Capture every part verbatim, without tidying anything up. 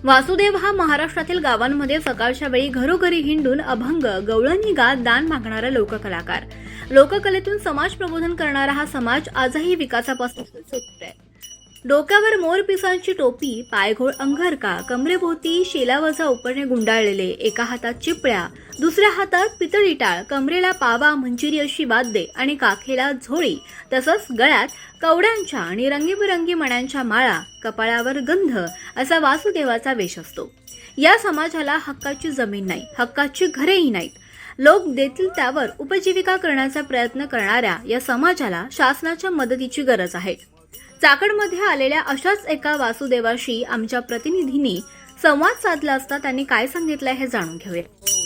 वासुदेव हा महाराष्ट्रातील गावांमध्ये सकाळच्या वेळी घरोघरी हिंडून अभंग गवळणी गात दान मागणारा लोककलाकार. लोककलेतून समाज प्रबोधन करणारा हा समाज आजही विकासापासून सुटतोय. डोक्यावर मोरपिसांची टोपी, पायघोळ अंगरका, कमरेभोवती शेलावजा उपरणे गुंडाळलेले, एका हातात चिपळ्या, दुसऱ्या हातात पितळी टाळ, कमरेला पावा, मंजिरी अशी वाद्ये आणि काखेला झोळी, तसंच गळ्यात कवड्यांच्या आणि रंगीबेरंगी मण्यांच्या माळा, कपाळावर गंध असा वासुदेवाचा वेश असतो. या समाजाला हक्काची जमीन नाही, हक्काची घरेही नाहीत. लोक देतील त्यावर उपजीविका करण्याचा प्रयत्न करणाऱ्या या समाजाला शासनाच्या मदतीची गरज आहे. चाकडमध्ये आलेल्या अशाच एका वासुदेवाशी आमच्या प्रतिनिधींनी संवाद साधला असता त्यांनी काय सांगितलंय हे जाणून घेऊया.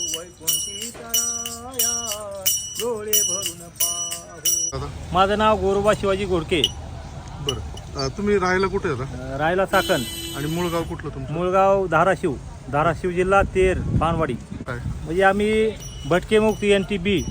माझं नाव गोरोबा शिवाजी घोडके. बरं, तुम्ही राहायला कुठे आता? राहायला चाकण. आणि मूळ गाव कुठलं तुमचं? मूळगाव धाराशिव, धाराशिव जिल्हा तेर पानवाडी. काय म्हणजे आम्ही भटके मुक्ती N T B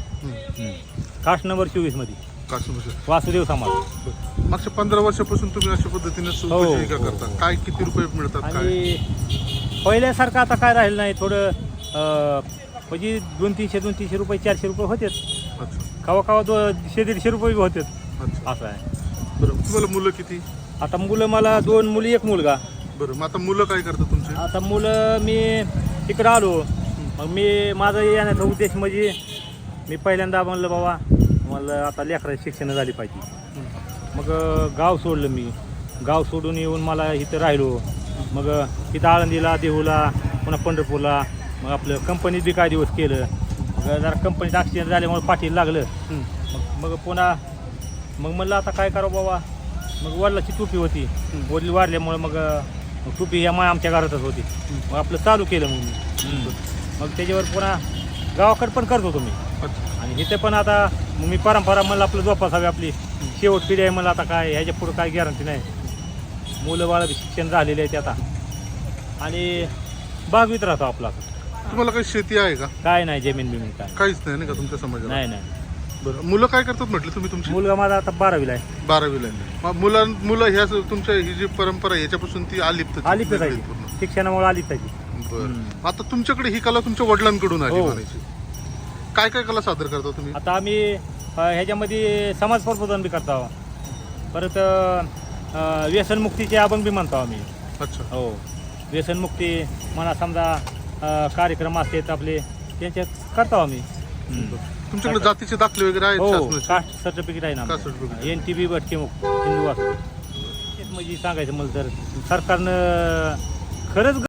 caste number चोवीस मध्ये काश्मीर वासुदेव समाज. मागच्या पंधरा वर्षापासून तुम्ही अशा पद्धतीने हो, उपजीविका हो, करता. हो. काय किती रुपये मिळतात? काय आणि पहिल्यासारखं आता काय राहिलं नाही. थोडं अं, म्हणजे दोन तीनशे दोन तीनशे रुपये चारशे रुपये होतेच. अच्छा कवा कवा दोनशे दीडशे रुपये बी होतेच. अच्छा. असं आहे. बरं, तुम्हाला मुलं किती? आता मुलं मला दोन मुली एक मुलगा. बरं, मग आता मुलं काय करतात तुमचे? आता मुलं मी तिकडं आलो, मग मी माझा येण्याचा उद्देश म्हणजे मी पहिल्यांदा म्हणलं बाबा मला आता लेकराची शिक्षण झाली पाहिजे. मग गाव सोडलं मी. गाव सोडून येऊन मला इथं राहिलो. मग इथं आळंदीला, देहूला, पुन्हा पंढरपूरला, मग आपलं कंपनीत बी काय दिवस केलं. मग जरा कंपनीत ॲक्सिडेंट झाल्यामुळे पाठीला लागलं. मग मग पुन्हा मग म्हणलं आता काय करावं बाबा. मग वडिलाची टोपी होती, वडील वाढल्यामुळे मग टोपी ह्या माय आमच्या घरातच होती. मग आपलं चालू केलं मग मी. मग त्याच्यावर पुन्हा गावाकडे पण करत होतो मी. आणि इथे पण आता मी परंपरा म्हणलं आपलं जोपासावी, आपली शेवट पिढी आहे. मला आता काय ह्याच्या पुढं काय गॅरंटी नाही. मुलं बाळा शिक्षण झालेले आहेत आता आणि बागवीत राहतो आपला. तुम्हाला काही शेती आहे का? काय नाही, जमीन बिमीन काय काहीच नाही ना का तुमच्या समाजाला? नाही नाही. बरं, मुलं काय करतात म्हटलं तुम्ही? तुमची मुलगा माझा आता बारावीला आहे. बारावीला आहे. मग मुलां मुलं ह्या तुमच्या ही जी परंपरा आहे याच्यापासून ती आलिप्त आलिप्त आहे, शिक्षणामुळे आलिप्त आहे. बरं, आता तुमच्याकडे ही कला तुमच्या वडिलांकडून आली हो. म्हणायची. काय काय कला सादर करता तुम्ही? आता आम्ही अ, ह्याच्यामध्ये समाज प्रबोधन बी करतो. परत अ, व्यसनमुक्तीचे अभंग बी म्हणतो आम्ही. अच्छा. हो, व्यसनमुक्ती म्हणा, समजा अ, कार्यक्रम असतात आपले त्यांच्यात करतो आम्ही. तुमच्याकडे जातीचे दाखले वगैरे आहेत? हो, शासनाचे? कास्ट सर्टिफिकेट आहे ना. Caste certificate. N T B भटके मुक्त हिंदू असतो. म्हणजे सांगायचं मला तर सरकारनं खरंच